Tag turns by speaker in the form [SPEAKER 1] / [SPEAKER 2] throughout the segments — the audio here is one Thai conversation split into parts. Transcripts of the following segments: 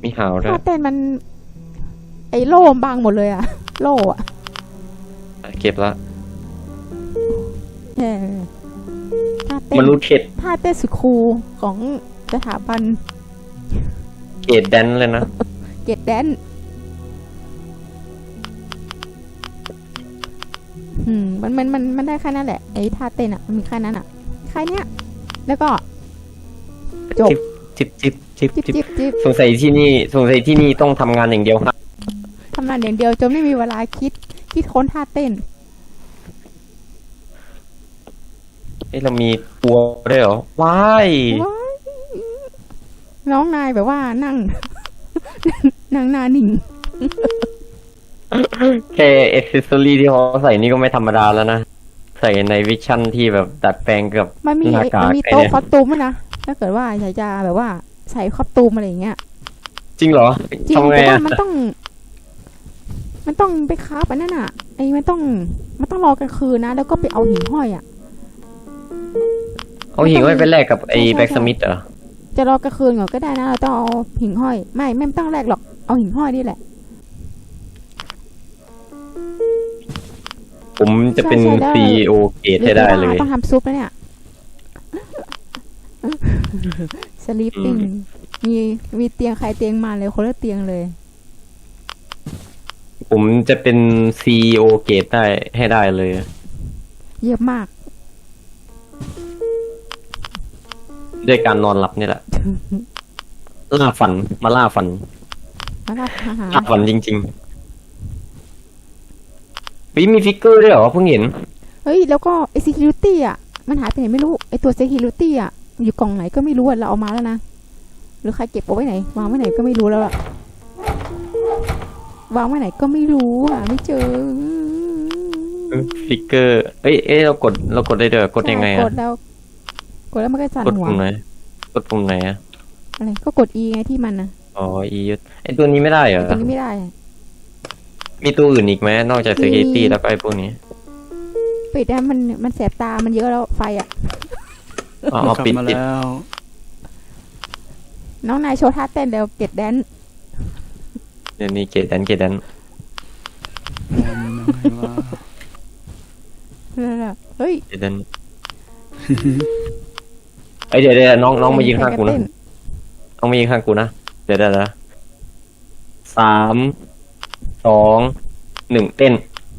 [SPEAKER 1] มีหาวด้ว
[SPEAKER 2] ท่าย เต้นมันไอ้โล่บังหมดเลยอะโล่อะ
[SPEAKER 1] เก็บละ
[SPEAKER 2] เออท่าเต้น
[SPEAKER 1] มนุษย์เข็ด
[SPEAKER 2] ท่าเต้นสุดคูลของสถาบัน
[SPEAKER 1] เกรดแดนเลยนะ
[SPEAKER 2] เกตแดนมันได้แค่นั้นแหละไอ้ท่าเต้นอะมันมีแค่นั้นอะแค่เนี้ยแล้วก็จบจิบ
[SPEAKER 1] สงสัยที่นี่ต้องทำงานอย่างเดียวครับ
[SPEAKER 2] ทำงานอย่างเดียวจนไม่มีเวลาคิดค้นท่าเต้น
[SPEAKER 1] เรามีปัวด้วยเหรอว้าย
[SPEAKER 2] น้องนายแบบว่านั่งหน้านิ่ง
[SPEAKER 1] แค่เอ็กเซสซอรี่ที่เขาใส่นี่ก็ไม่ธรรมดาแล้วนะใส่ในวิชั่นที่แบบดัดแปลงกับหน้ากาก
[SPEAKER 2] โต๊ะคอสตูมนะถ้าเกิดว่าอยากจะแบบว่าใส่คอสตูมอะไรอย่างเงี้ย
[SPEAKER 1] จริงเหรอ
[SPEAKER 2] จริงแต่ว่ามันต้องไปค้าไปนั่นอ่ะไอ้มันต้องรอกลางคืนนะแล้วก็ไปเอาหิ่งห้อยอ่ะ
[SPEAKER 1] เอาหิ่งห้อยไปแลกกับไอ้แบ็กสมิธเหรอ
[SPEAKER 2] จะรอกลางคืนก่อนก็ได้นะเราต้องเอาหิ่งห้อยไม่ต้องแลกหรอกเอาหิ่งห้อยนี่แหละ
[SPEAKER 1] ผมจะเป็น CEO เกตให้ได้เลย
[SPEAKER 2] ต้องทำซุปแล้วเนี่ยสลีปปิ้งมีเตียงใครเตียงมันเลยคนละเตียงเลย
[SPEAKER 1] ผมจะเป็น CEO เกตได้ให้ได้เลย
[SPEAKER 2] เยอะมาก
[SPEAKER 1] ด้วยการนอนหลับนี่แหละล่าฝันมาล่าฝันจริงๆมีฟิกเกอร์ด้วยเหรอเพิ่งเห็น
[SPEAKER 2] เฮ้ยแล้วก็ไอ security อ่ะมันหายไปไหนไม่รู้ไอตัว security อ่ะอยู่กล่องไหนก็ไม่รู้อ่ะเราเอามาแล้วนะหรือใครเก็บเอาไว้ไหนวางไว้ไหนก็ไม่รู้แล้วอะวางไว้ไหนก็ไม่รู้อ่ะไม่เจอ
[SPEAKER 1] ฟิกเกอร์เรากดได้เด้อกดยังไงอะ
[SPEAKER 2] กดแล้วมันก็สั่นหัว
[SPEAKER 1] กดปุ่มไหนอะ
[SPEAKER 2] อะไรก็กด E ไงที่มันนะ
[SPEAKER 1] อ๋อ E ไอตัวนี้ไม่ได้เหรอ
[SPEAKER 2] ตัวนี้ไม่ได้
[SPEAKER 1] มีตัวอื่นอีกไหมนอกจาก security แล้วก็ไอพวกนี้
[SPEAKER 2] ปิดนะมันแสบตามันเยอะแล้วไฟอ่ะ
[SPEAKER 1] อ๋อปิดมาแล้ว
[SPEAKER 2] น้องนายโชว์ท่าเต้นเดี๋ยวเกตแดน
[SPEAKER 1] เดี๋ยวนี้เกตแดน
[SPEAKER 2] เฮ้ย
[SPEAKER 1] เกตแดนเดี๋ยวน้องมายิงข้างกูนะน้องมายิงข้างกูนะเดี๋ยว3 2 1เต้น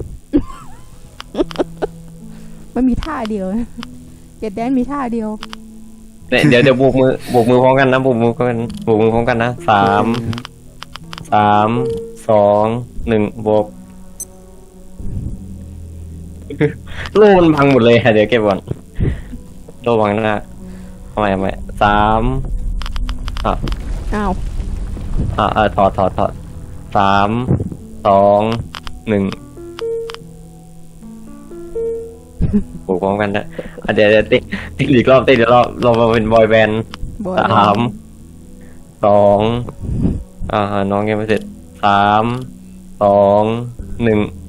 [SPEAKER 2] มันมีท่าเดียวเกตแดนมีท่าเดียว
[SPEAKER 1] เดี๋ยวโบกมือพร้อมกันนะโบกมือพร้อมกันนะ3 2 1โบกโล่มันพังหมดเลยเดี๋ยวเก็บก่อนโล่พังหน้าทำไม3
[SPEAKER 2] อ้าว
[SPEAKER 1] ถอด3 2 1โบกพร้อมกันนะเดี๋ยวติ๊กอีกรอบติ๊กเดี๋ยวเรามาเป็นบอยแบนด์3 2น้องยังไม่เสร็จ3 2 1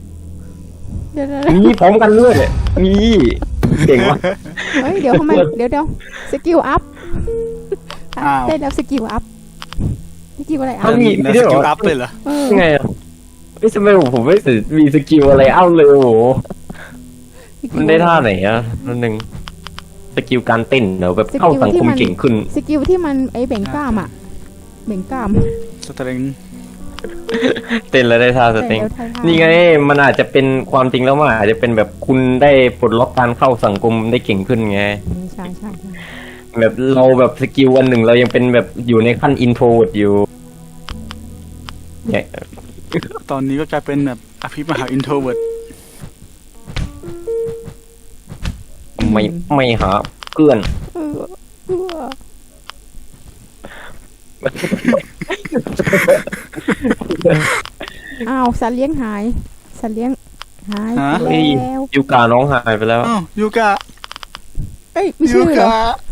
[SPEAKER 1] นี่พร้อมกันด้วยนี่เก่งว่ะ
[SPEAKER 2] เฮ้ยเดี๋ยวทำไมเดี๋ยวสกิลอัพได้แล้วสกิลอัพสกิลอะไรอัพ
[SPEAKER 1] มีสกิลอัพเลยเหรอไงไม่ทำไมผมไม่มีสกิลอะไรอัพเลยโอ้โหมันได้ท่าไหนอ่ะนั่นหนึ่งสกิลการเต้นเดี๋ยวแบบเข้าสังคมเก่งขึ้น
[SPEAKER 2] สกิลที่มันไอเบ่งกล้ามอ่ะเบ่งกล้าม
[SPEAKER 3] สตริง
[SPEAKER 1] เต้นแล้วได้ท่าสเต็งนี่ไงมันอาจจะเป็นความจริงแล้วมันอาจจะเป็นแบบคุณได้ปลดล็อกการเข้าสังคมได้เก่งขึ้นไง
[SPEAKER 2] ใช่
[SPEAKER 1] แบบเราแบบสกิลวันหนึ่งเรายังเป็นแบบอยู่ในขั้นอินโทรอยู่เนี่ย
[SPEAKER 3] ตอนนี้ก็กลายเป็นแบบอภิมหาอินโทรเวิร์ด
[SPEAKER 1] ไม่หาเพื่อน
[SPEAKER 2] อ้าวสัตว์เลี้ยงหายไปแล้ว
[SPEAKER 1] ยูกาน้องหายไปแล้ว
[SPEAKER 3] ยูกา
[SPEAKER 2] ไม่ชื่อเหรอ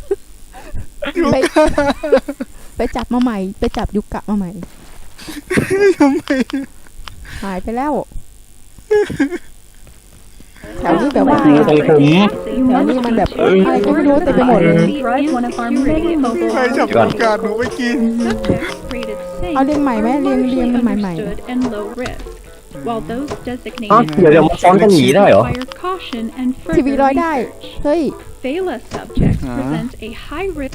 [SPEAKER 2] ไปจับมาใหม่ไปจับยูกะมาใหม่
[SPEAKER 3] ทำไม
[SPEAKER 2] หายไปแล้วแถวนี้แบบว่า
[SPEAKER 1] ของผม
[SPEAKER 2] แถวนี้มันแบบอะไรก็ไม่รู้เต็มไปหมดเลย
[SPEAKER 4] One of our many mobile
[SPEAKER 3] ใครจับโอกาสหนูไปกิน
[SPEAKER 4] subjects rated safe,
[SPEAKER 2] เอาเรียงใหม่ไหมเรียงมันใหม่
[SPEAKER 4] understood, and low risk. While those
[SPEAKER 1] อ๋อ
[SPEAKER 4] designated
[SPEAKER 1] เดี๋ยวมาซ้อนกันหนีได้เหรอ
[SPEAKER 4] require caution and
[SPEAKER 2] ๆทีวี
[SPEAKER 4] further
[SPEAKER 2] ร้อยได้
[SPEAKER 4] research.
[SPEAKER 2] เฮ้ย
[SPEAKER 4] Phala subject
[SPEAKER 3] Ah.
[SPEAKER 4] presents a high risk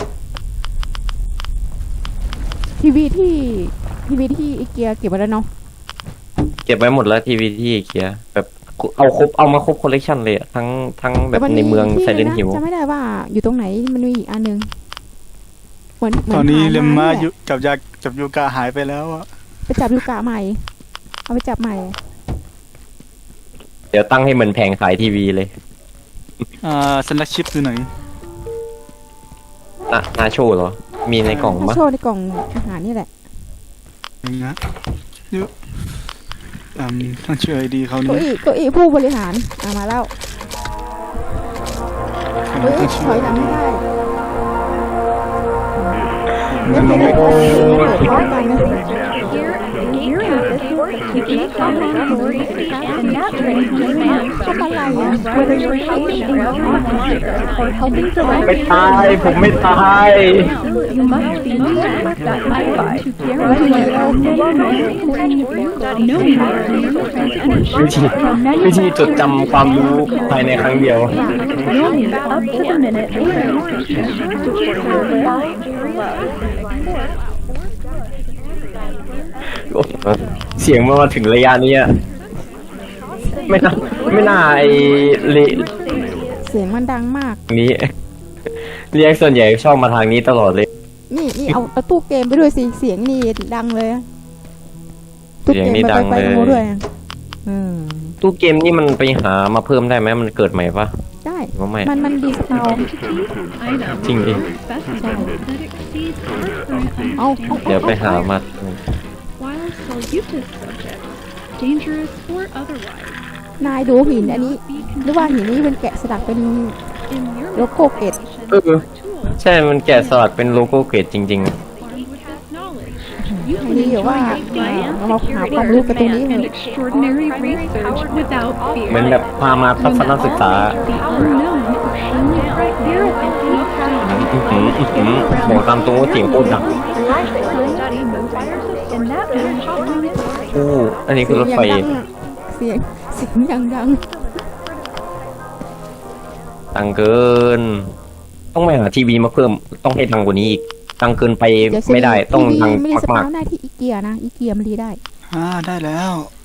[SPEAKER 2] ทีวีที่อีเกียเก็บไว้แล้วเนาะ
[SPEAKER 1] เก็บไว้หมดแล้วทีวีที่เคียแบบเอามาครบคอลเลกชันเลยอะทั้งแบบ
[SPEAKER 2] ต่
[SPEAKER 1] ในเมือง
[SPEAKER 2] ที่
[SPEAKER 1] ไซเลนฮิล
[SPEAKER 2] จำไม่ได้ว่าอยู่ตรงไหนมันมีอีกอันนึงเหมือน
[SPEAKER 3] ตอนนี้
[SPEAKER 2] ผ่
[SPEAKER 3] เลมมา
[SPEAKER 2] นี่แหละ
[SPEAKER 3] จับยูกะหายไปแล้วอะ
[SPEAKER 2] ไปจับลูกกะใหม่ เอาไปจับใหม่
[SPEAKER 1] เดี๋ยวตั้งให้เหมือนแผงขายทีวีเลย
[SPEAKER 3] สแน็คชิปอยู่ไหน
[SPEAKER 1] นาโชว์เหรอ มีในกล่อง
[SPEAKER 2] ถ้า
[SPEAKER 1] ปะ
[SPEAKER 2] โชว์ในกล่องอาหารนี่แหละ
[SPEAKER 3] อย่างเงี้ยเยอะท่านชื่อไอดีเขา
[SPEAKER 2] เก้า
[SPEAKER 3] นี่
[SPEAKER 2] อี้ผู้บริหารมาแล้วเฮ้ย
[SPEAKER 3] ท่าน
[SPEAKER 2] ถ
[SPEAKER 3] ชื่อ
[SPEAKER 2] อยหลังไม่ได้
[SPEAKER 3] มันน้องไม่
[SPEAKER 2] พร้อมกันนะ
[SPEAKER 4] here at the gate campus to gain common authority and that brings demand
[SPEAKER 2] ทำอะไรอ่ะ
[SPEAKER 4] whether you're helping a volunteer or helping to
[SPEAKER 1] ไม่ตาย ผมไม่ตาย
[SPEAKER 4] you must be moved that way to guarantee knowing where you transmission
[SPEAKER 1] วิธีจดจำความรู้ภายในครั้งเดียว
[SPEAKER 4] knowing up to the minute below
[SPEAKER 1] เสียงเมื่อมาถึงระยะนี้อะไม่น่าไอเละ
[SPEAKER 2] เสียงมันดังมาก
[SPEAKER 1] นี้ เรียกส่วนใหญ่ชอบมาทางนี้ตลอดเลย
[SPEAKER 2] นี่เอาตู้เกมไปด้วยสิเสียงนี่ดังเลยอะตู้เกมไปตรงโน้นด้วยอะอืม
[SPEAKER 1] ตู้เกมนี่มันไปหามาเพิ่มได้ไหมมันเกิดใหม่ปะ
[SPEAKER 2] ได้
[SPEAKER 1] หรือว่าไม่
[SPEAKER 2] มันดีสตาร์
[SPEAKER 4] items
[SPEAKER 1] จริงดิ
[SPEAKER 4] specified that exceeds our current
[SPEAKER 2] เอา
[SPEAKER 4] understanding
[SPEAKER 1] เดี๋ยวไปหามา
[SPEAKER 4] while Salutis subjects dangerous or otherwise
[SPEAKER 2] นายดูหินอันนี้ หรือว่าหินนี้เป็นแกะสลักเป็น
[SPEAKER 4] in your
[SPEAKER 2] โลโก้เกต
[SPEAKER 1] เออ
[SPEAKER 4] tools
[SPEAKER 1] ใช่มันแกะสลักเป็นโลโก้เกรดจริง
[SPEAKER 4] armed with this knowledge you
[SPEAKER 2] อัน
[SPEAKER 4] can
[SPEAKER 2] นี้เดี๋ยวว่า
[SPEAKER 4] enjoy life
[SPEAKER 2] เรามาหาความรู้กันตรงนี้เถ
[SPEAKER 4] and
[SPEAKER 2] อะ
[SPEAKER 4] extraordinary research without
[SPEAKER 1] ๆ
[SPEAKER 4] fear
[SPEAKER 1] เหมือนแบบพามาทัศนศึกษา
[SPEAKER 4] the unknown only right here at the deep
[SPEAKER 1] หมอตามตรงว่าเสียงโคตรดัง
[SPEAKER 4] study moves in that manner
[SPEAKER 1] โอ้อันนี้คือรถไฟ
[SPEAKER 2] เสียงยังดัง
[SPEAKER 1] ดังเกิน ต้องไปหาทีวีมาเพิ่ม ต้องให้ดังกว่านี้อีก ดังเกินไป
[SPEAKER 2] เดี๋ยว
[SPEAKER 1] ไม่ได้ ต้องดัง
[SPEAKER 2] ไม่ได้ส
[SPEAKER 1] มาก
[SPEAKER 2] ตาร์ทได้ที่อีเกียนะอีเกียมันดีได้
[SPEAKER 3] ได้แล้ว
[SPEAKER 2] อ